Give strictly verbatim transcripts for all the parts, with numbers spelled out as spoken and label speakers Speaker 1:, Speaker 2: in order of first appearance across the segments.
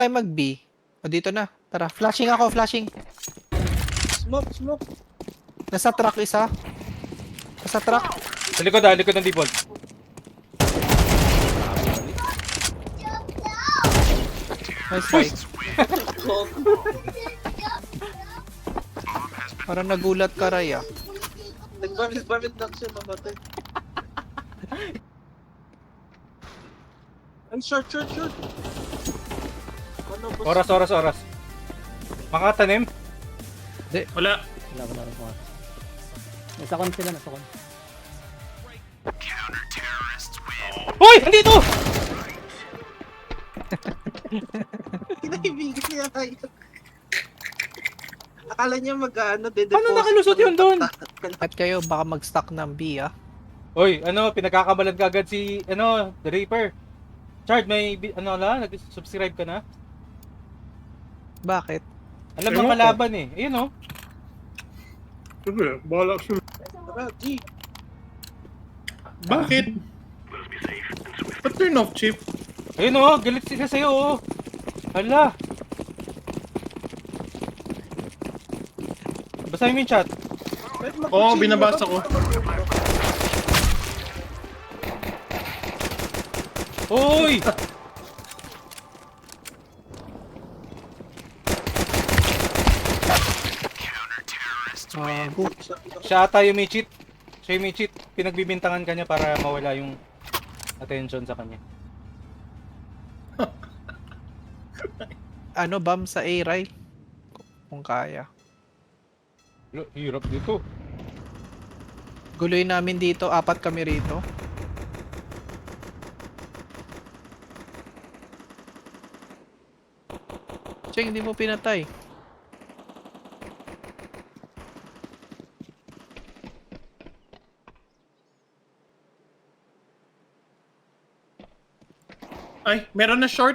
Speaker 1: Tayo mag-B. O dito na. Tara, flashing ako, flashing.
Speaker 2: Smoke, smoke.
Speaker 1: Nasa truck isa. Nasa truck.
Speaker 3: Sa likod ah, likod ng default.
Speaker 1: Nice try. Parang nagulat ka, Ray, ah.
Speaker 2: Nagbamit-bamit lang siya, mamatay. Ay, short, short, short. Ano, boss?
Speaker 3: Oras, oras, oras. Makatanim?
Speaker 4: Wala.
Speaker 5: Wala, wala rin kuha. Nasa kon sila, nasa kon.
Speaker 3: Hoy! Andito!
Speaker 2: Kinaibigan niya kayo. Akala niya mag-ano, dedeposit.
Speaker 3: Paano nakalusot yun doon?
Speaker 1: At kayo, baka mag-stack ng B, ah.
Speaker 3: Hoy, ano, pinagkakabalan ka agad si, ano, The Reaper. Chard, may, bi- ano la, nag-subscribe ka na?
Speaker 1: Bakit?
Speaker 3: Alam
Speaker 4: Ewan
Speaker 3: mo
Speaker 4: ko.
Speaker 3: kalaban eh. Ayun oh.
Speaker 4: Sige, bahala siya.
Speaker 2: Tara, G.
Speaker 4: Bakit? Ba't turn off, Chip?
Speaker 3: Ayun oh, galit sila sa'yo oh. Hala. Basahin mo yung chat.
Speaker 2: Kahit
Speaker 4: Oo,
Speaker 2: mag-chill,
Speaker 4: binabasa
Speaker 2: wala
Speaker 4: ko.
Speaker 2: pa mag-
Speaker 3: Hoy!
Speaker 1: Gago.
Speaker 3: Siya ata yung may cheat. Siya yung may cheat. Pinagbibintangan kanya para mawala yung attention sa kanya.
Speaker 1: Ano, bomb sa A, Ray? Kung kaya.
Speaker 3: Lo, hirap dito.
Speaker 1: Guloy namin dito, apat kami rito. Cheng, hindi mo pinatay.
Speaker 4: Ay, meron na short.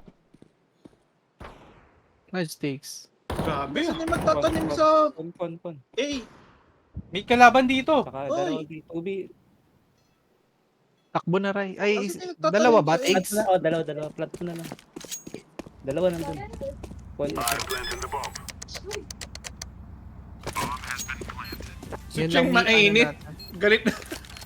Speaker 1: Nice takes.
Speaker 4: Grabe.
Speaker 2: Saan yung magtatanim sa
Speaker 5: Kon, kon, kon.
Speaker 2: A?
Speaker 3: May kalaban dito.
Speaker 5: Saka
Speaker 2: Oy!
Speaker 5: dalawa B, two B.
Speaker 1: Takbo na, Ray. Ay,
Speaker 2: Kasi
Speaker 1: is-
Speaker 2: nagtatanim
Speaker 1: dalawa ba?
Speaker 2: sa A.
Speaker 5: Plant
Speaker 1: Takes?
Speaker 5: na, oh, dalawa, dalawa. Plant mo na lang. Dalawa nandun. Kon, isa.
Speaker 4: Si
Speaker 1: Yun
Speaker 4: Cheng
Speaker 1: lang yung ano
Speaker 4: mainit.
Speaker 1: natin.
Speaker 4: Galit na.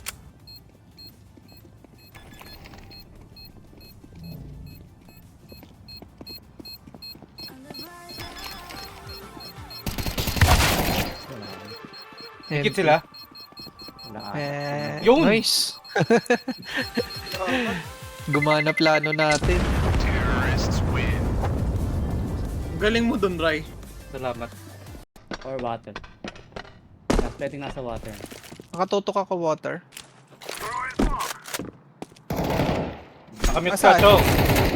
Speaker 3: Higit sila.
Speaker 5: Wala ka.
Speaker 1: Eh,
Speaker 3: Yun!
Speaker 1: nice. Gumana plano natin.
Speaker 4: Galing mo dun, Rai.
Speaker 3: Salamat.
Speaker 5: Or water. Nas, pwedeng nasa water.
Speaker 1: Nakatutok ako water.
Speaker 3: Nakamute
Speaker 1: Asan?
Speaker 3: ka, Chong.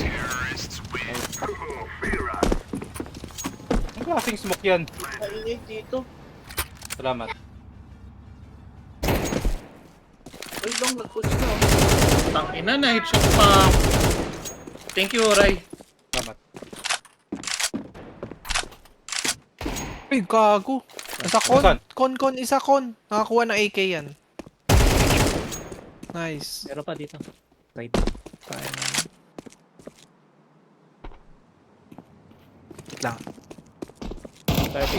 Speaker 3: Ang klaseng smoke yan.
Speaker 2: Kaingay dito.
Speaker 3: Salamat.
Speaker 2: Ay, long, nag-push na.
Speaker 4: Tangina na, headshot pa. Thank you, Rai.
Speaker 3: Salamat.
Speaker 1: Ay, gago. Nasa con.
Speaker 3: Nasaan?
Speaker 1: Con, con, isa con. Nakakuha ng A K yan. Nice.
Speaker 5: Meron pa dito. Right.
Speaker 1: Kaya naman. Wait lang.
Speaker 5: thirty.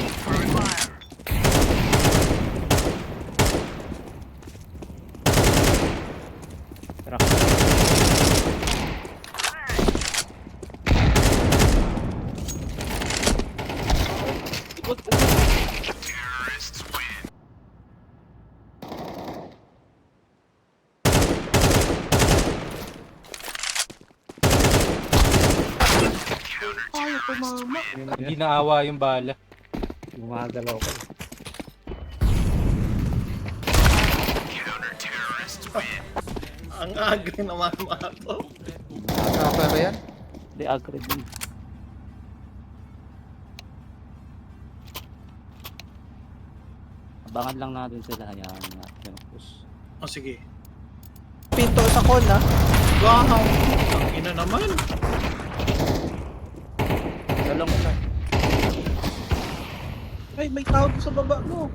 Speaker 5: Tara.
Speaker 2: Ikot, ikot. Ayaw tumama.
Speaker 3: Hindi naawa yung bala.
Speaker 5: Gumagalaw ko.
Speaker 4: Ang agri naman mga to.
Speaker 1: Nakaka ba yan?
Speaker 5: Hindi, agri din. Abangan lang natin sila. Hayaan natin. Push.
Speaker 4: Oh, sige.
Speaker 1: Pinto sa con, ha?
Speaker 4: Wow! Tangina naman.
Speaker 5: Dalong isa.
Speaker 2: Ay, may tao sa baba mo.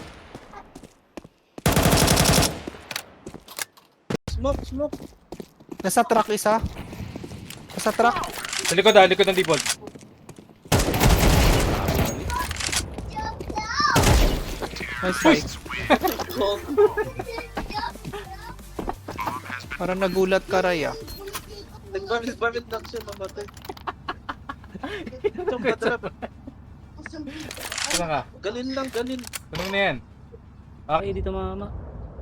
Speaker 2: Smoke, smoke.
Speaker 1: Nasa truck isa. Nasa truck.
Speaker 3: Sa likod ah, likod ng default.
Speaker 1: Nice try. Parang nagulat ka, Ray, ah.
Speaker 2: Nagbamit-bamit lang siya, mamatay. Itong patrap.
Speaker 3: Saan ka?
Speaker 2: Galin lang, galin.
Speaker 3: Tanong na yan. Ah,
Speaker 5: Okay, dito mama.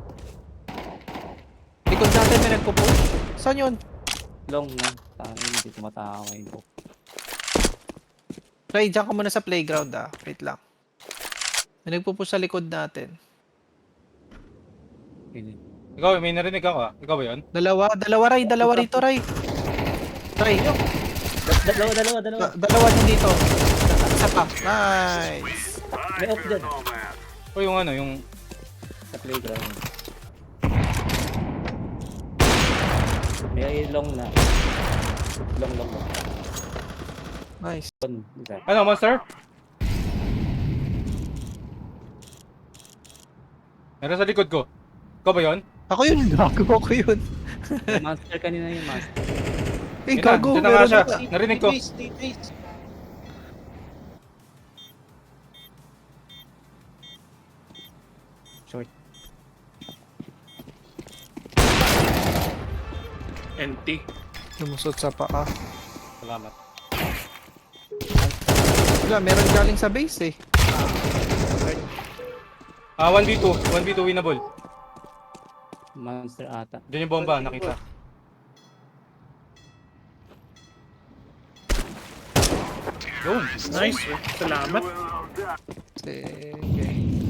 Speaker 1: Likod natin may nagpo-push. Saan yun?
Speaker 5: Long na. Tayo, hindi tumatawa yun.
Speaker 1: Ray, dyan ka muna sa playground, ah. Wait lang. May nagpo-push sa likod natin.
Speaker 5: Okay.
Speaker 3: ikaw, may narinig ako ah. Ikaw ba yun?
Speaker 1: Dalawa, dalawa, Ray. Dalawa rito, Ray. Ray,
Speaker 5: Da- Dalawa, dalawa, dalawa.
Speaker 1: da- dalawa din dito. Isa pa. Nice.
Speaker 5: May off dyan.
Speaker 3: O yung ano, yung...
Speaker 5: Sa playground. May long na. Long, long, long.
Speaker 1: Nice.
Speaker 5: One, isa.
Speaker 3: Ano, monster? Meron sa likod ko. Ikaw ba yun?
Speaker 1: Ako yun. Gago ako yun.
Speaker 5: May monster kanina yung monster.
Speaker 1: Eh,
Speaker 3: Yun na,
Speaker 1: gago.
Speaker 3: dyan na nga
Speaker 1: Meron
Speaker 3: siya.
Speaker 1: na.
Speaker 3: Narinig ko.
Speaker 2: Stay base, stay base.
Speaker 5: Short.
Speaker 4: Empty.
Speaker 1: Lumusot sa paa.
Speaker 3: Salamat.
Speaker 1: Wala, meron galing sa base eh.
Speaker 3: Ah, one v two. one v two winnable.
Speaker 5: Monster ata.
Speaker 3: Diyan yung bomba, nakita. Yun.
Speaker 4: Nice. Salamat.
Speaker 1: Sige.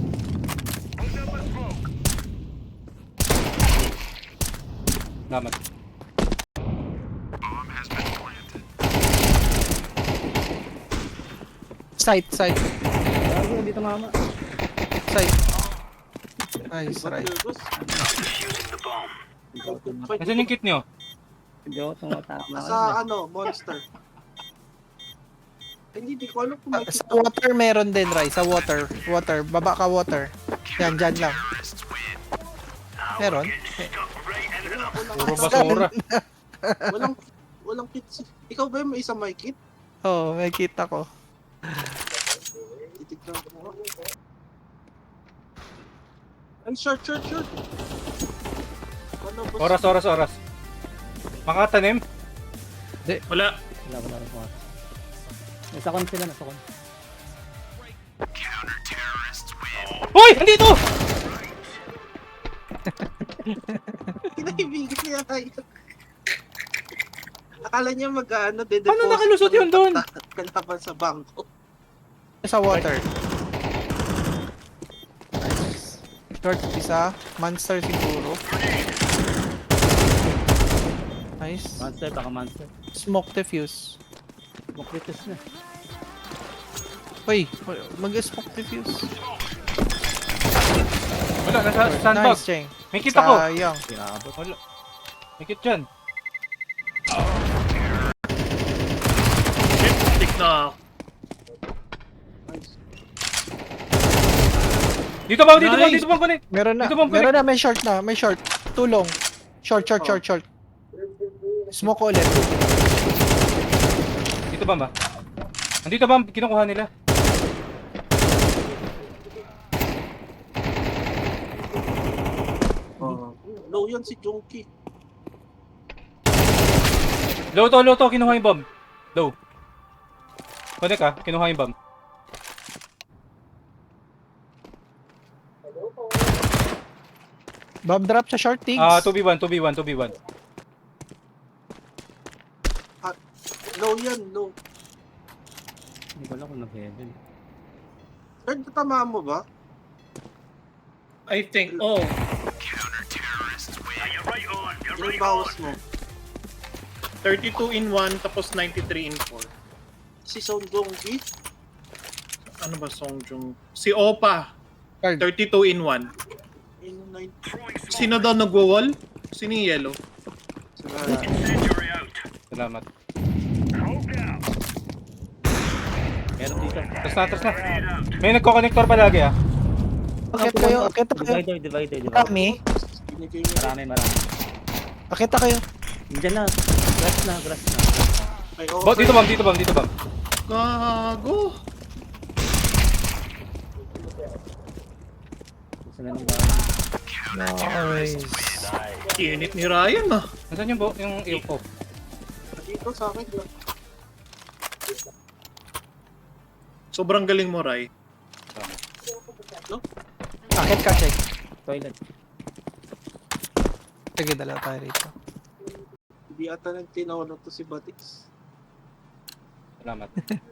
Speaker 3: Salamat.
Speaker 1: Sight, sight,
Speaker 5: Gago, dito mama.
Speaker 1: sight. Nice,
Speaker 2: What
Speaker 1: right.
Speaker 2: the boss?
Speaker 3: Nasaan yung kit nyo?
Speaker 5: Hindi ako tumatama.
Speaker 2: Nasa ano, monster. Hindi, di ko alam kung may
Speaker 1: Ah, sa water meron din, Ray. Sa water. Water. Baba ka water. Yan, dyan lang. Meron.
Speaker 3: Puro basura.
Speaker 2: walang, walang kit. si- Ikaw ba yung may isang may kit?
Speaker 1: Oo, oh, may kita ko.
Speaker 2: Titignan ko. Ay, short, short, short. Ano, boss?
Speaker 3: Oras, oras, oras. Makatanim?
Speaker 4: Wala.
Speaker 5: Wala, wala rin ko. Nasa kon sila, nasa kon.
Speaker 3: Hoy! Andito!
Speaker 2: Kinaibigan niya tayo. Akala niya mag-ano, de
Speaker 3: Paano nakalusot yun doon?
Speaker 2: Kalaban sa bangko.
Speaker 1: Sa water. Nice. Short isa. Monster siguro. Nice.
Speaker 5: Monster, baka monster.
Speaker 1: Smoke defuse.
Speaker 5: Mokritos na.
Speaker 1: Uy, mag-smoke defuse.
Speaker 3: Wala, nasa sandbag.
Speaker 1: Nice, Cheng.
Speaker 3: May kit ako.
Speaker 1: Sayang.
Speaker 5: Pinakabot.
Speaker 3: Wala. May kit dyan.
Speaker 4: Shit, stick na ako.
Speaker 3: Dito ba? Dito ba?
Speaker 4: Nice.
Speaker 3: Dito ba? Balik.
Speaker 1: Meron na.
Speaker 3: Dito bang
Speaker 1: Meron na. May short na. May short. Tulong. Short, short, short, short. Smoke ulit.
Speaker 3: Dito ba ba? Andito ba? Kinukuha nila.
Speaker 2: Oh. Low yan si Junkie.
Speaker 3: Low to, low to. Kinuha yung bomb. Low. Connect ah. Kinuha yung bomb.
Speaker 1: Bomb drop sa short things.
Speaker 3: Ah, two v one, two v one, two v one.
Speaker 2: Low yan, low.
Speaker 5: Hindi ko alam kung nag-heaven.
Speaker 2: Third, natamaan mo ba?
Speaker 4: I think, oh,
Speaker 2: Yung bawas mo.
Speaker 4: thirty-two in one tapos ninety-three in four.
Speaker 2: Si Son Junkie.
Speaker 4: Ano ba Songjung? Si Opa,
Speaker 1: Card.
Speaker 4: thirty-two in one.
Speaker 2: Yung nine.
Speaker 4: Sino daw nagwo-wall? Sino yung yellow?
Speaker 3: Salamat.
Speaker 5: Meron dito.
Speaker 3: Tras na, tras na. May nagko-connector palagi ah.
Speaker 1: Akit kayo, akit kayo.
Speaker 5: Divider, divider, divider.
Speaker 1: Kami.
Speaker 2: Binigay niya.
Speaker 5: Marami, marami.
Speaker 1: Akit kayo.
Speaker 5: Diyan na. Grass na, grass na.
Speaker 2: Ay, oo.
Speaker 3: Bot, dito bang, dito bang, dito bang.
Speaker 4: Gago.
Speaker 5: Gusto na ng bahay.
Speaker 1: Nice.
Speaker 4: Init ni Ryan ah.
Speaker 3: Nasaan yung bo, yung A O?
Speaker 2: Dito sa akin.
Speaker 4: Sobrang galing mo, Ray.
Speaker 1: Akit ka, check.
Speaker 5: Toilet.
Speaker 1: Sige, dalawa tayo rito.
Speaker 2: Hindi ata nang tinawalan to si Batix.
Speaker 3: Salamat.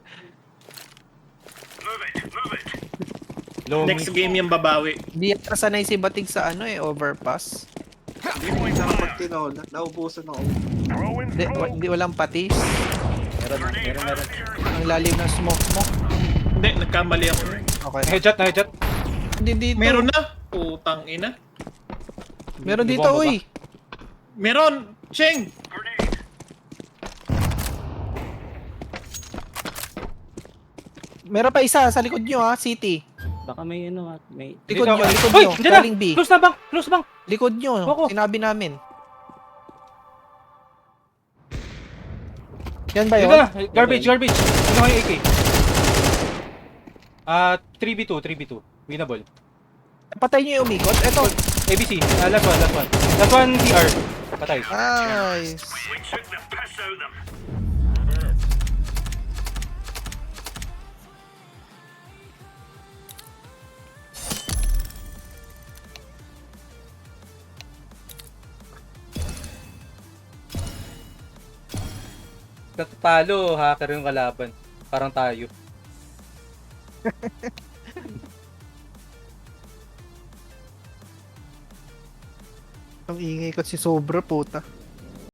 Speaker 3: Low
Speaker 4: Next
Speaker 3: mid.
Speaker 4: game yung babawi.
Speaker 1: Hindi yata sanay si Batig sa ano eh, overpass.
Speaker 2: Hindi mo pag tinawalan. Naubusan ako.
Speaker 1: Hindi, wa- hindi walang patis.
Speaker 5: Meron, meron, meron.
Speaker 1: Ang lalim ng smoke mo.
Speaker 4: Hindi, nagkamali ako.
Speaker 1: Okay.
Speaker 3: Headshot na headshot.
Speaker 1: Hindi dito.
Speaker 4: Meron na. Putang ina.
Speaker 1: Meron dito,
Speaker 3: Bumaba ba?
Speaker 1: uy.
Speaker 4: Meron! Cheng!
Speaker 1: Meron pa isa sa likod nyo ha, city.
Speaker 5: Baka may ano at may...
Speaker 1: Likod
Speaker 3: Dito,
Speaker 1: nyo, likod
Speaker 3: Uy,
Speaker 1: nyo.
Speaker 3: dyan na!
Speaker 1: Galing B.
Speaker 3: Close na bang, close bang.
Speaker 1: Likod nyo,
Speaker 3: Ako.
Speaker 1: sinabi namin. Yan ba
Speaker 3: Dito
Speaker 1: yun?
Speaker 3: na, garbage, garbage. Ano kayo A K? Ah, three v two, three v two. Winnable.
Speaker 1: Patay nyo yung umikot. Eto.
Speaker 3: A B C, ah, last one, last one. Last one D R. Patay.
Speaker 1: Nice.
Speaker 3: Natatalo, hacker yung kalaban. Parang tayo.
Speaker 1: Ang ingay ko si Sobra, puta.